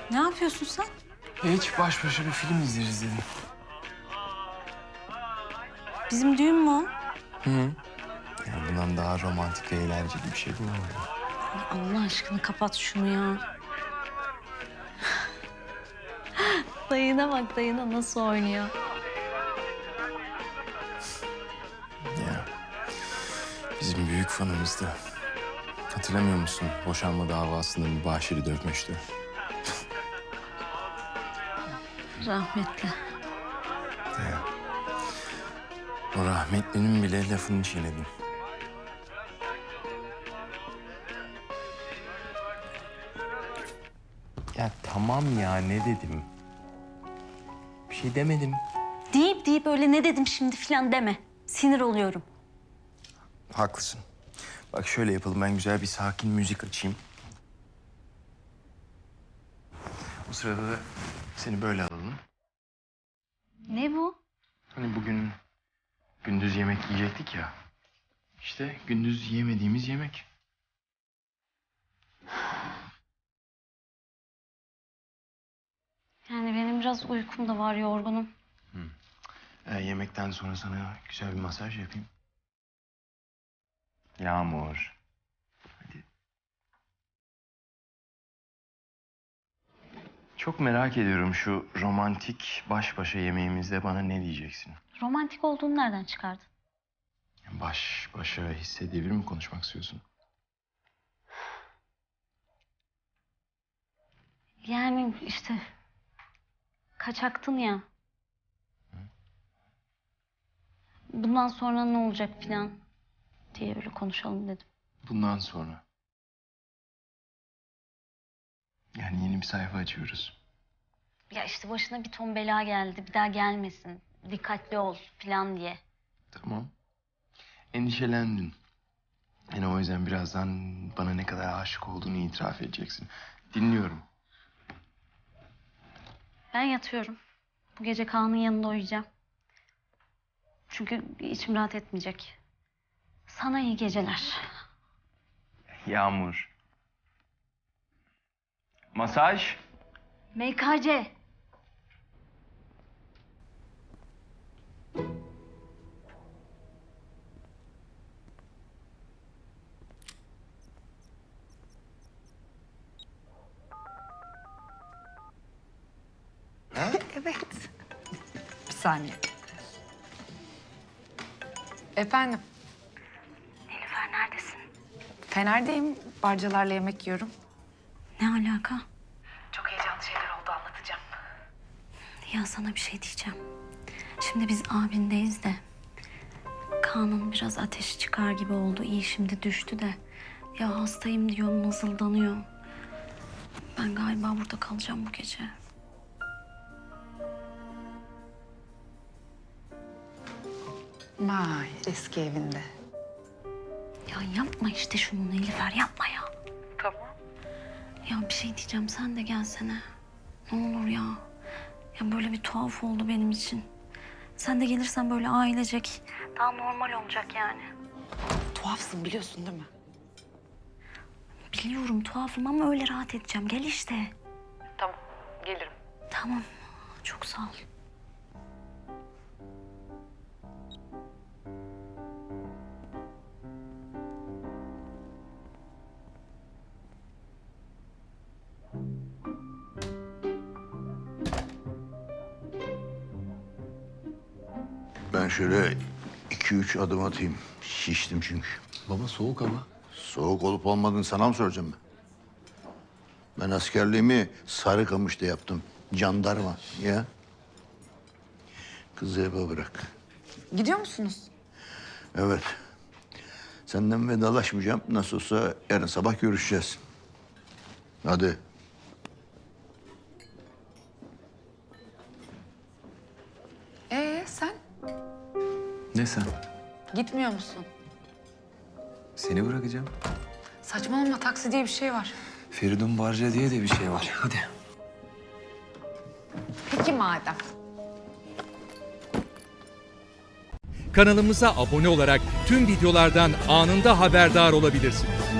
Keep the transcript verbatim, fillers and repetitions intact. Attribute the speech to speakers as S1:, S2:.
S1: Ne yapıyorsun sen?
S2: Hiç baş başa bir film izleriz dedim.
S1: Bizim düğün mü o?
S2: Hı hı. Yani bundan daha romantik ve eğlenceli bir şey bulamadım.
S1: Ay Allah aşkına kapat şunu ya. Dayına bak, dayına nasıl oynuyor.
S2: Ya bizim büyük fanımızdı. Hatırlamıyor musun? Boşanma davasında mübaşiri dövmüştü.
S1: Rahmetli.
S2: Ya. O rahmetlinin bile lafını çiğnedim. Ya tamam ya, ne dedim? Bir şey demedim.
S1: Deyip deyip öyle ne dedim şimdi falan deme. Sinir oluyorum.
S2: Haklısın. Bak şöyle yapalım, ben güzel bir sakin müzik açayım. O sırada da seni böyle alalım.
S1: Ne bu?
S2: Hani bugün gündüz yemek yiyecektik ya. İşte gündüz yemediğimiz yemek.
S1: Yani benim biraz uykum da var, yorgunum.
S2: Ee, yemekten sonra sana güzel bir masaj yapayım. Yağmur. Hadi. Çok merak ediyorum, şu romantik baş başa yemeğimizde bana ne diyeceksin?
S1: Romantik olduğunu nereden çıkardın?
S2: Baş başa hissedebilir mi konuşmak istiyorsun?
S1: Yani işte kaçaktın ya. Bundan sonra ne olacak falan diye öyle konuşalım dedim.
S2: Bundan sonra. Yani yeni bir sayfa açıyoruz.
S1: Ya işte başına bir ton bela geldi, bir daha gelmesin, dikkatli ol falan diye.
S2: Tamam. Endişelendin. Yani o yüzden birazdan bana ne kadar aşık olduğunu itiraf edeceksin. Dinliyorum.
S1: Ben yatıyorum. Bu gece Kaan'ın yanında uyuyacağım. Çünkü içim rahat etmeyecek. Sana iyi geceler.
S2: Yağmur. Masaj.
S1: M K C.
S3: Evet. Bir saniye. Efendim,
S1: Nilüfer neredesin?
S3: Fener'deyim. Barcalarla yemek yiyorum.
S1: Ne alaka?
S3: Çok heyecanlı şeyler oldu, anlatacağım.
S1: Ya sana bir şey diyeceğim. Şimdi biz abindeyiz de Kaan'ın biraz ateşi çıkar gibi oldu. İyi şimdi düştü de. Ya hastayım diyor, mızıldanıyor. Ben galiba burada kalacağım bu gece.
S3: Vay, eski evinde.
S1: Ya yapma işte şunu Nilüfer, yapma ya.
S3: Tamam.
S1: Ya bir şey diyeceğim, sen de gelsene. Ne olur ya. Ya böyle bir tuhaf oldu benim için. Sen de gelirsen böyle ailecek daha normal olacak yani.
S3: Tuhafsın biliyorsun değil mi?
S1: Biliyorum tuhafım ama öyle rahat edeceğim. Gel işte.
S3: Tamam, gelirim.
S1: Tamam. Çok sağ ol.
S4: Ben şöyle iki üç adım atayım. Şiştim çünkü.
S2: Baba soğuk hava.
S4: Soğuk olup olmadığını sana mı soracağım ben? Ben askerliğimi Sarıkamış'ta yaptım. Jandarma ya. Kızı eve bırak.
S3: Gidiyor musunuz?
S4: Evet. Senden vedalaşmayacağım. Nasıl olsa yarın sabah görüşeceğiz. Hadi.
S3: Ee sen?
S2: Ne sen?
S3: Gitmiyor musun?
S2: Seni bırakacağım.
S3: Saçmalama, taksi diye bir şey var.
S2: Feridun Barca diye de bir şey var. Hadi.
S3: Peki madem.
S5: Kanalımıza abone olarak tüm videolardan anında haberdar olabilirsiniz.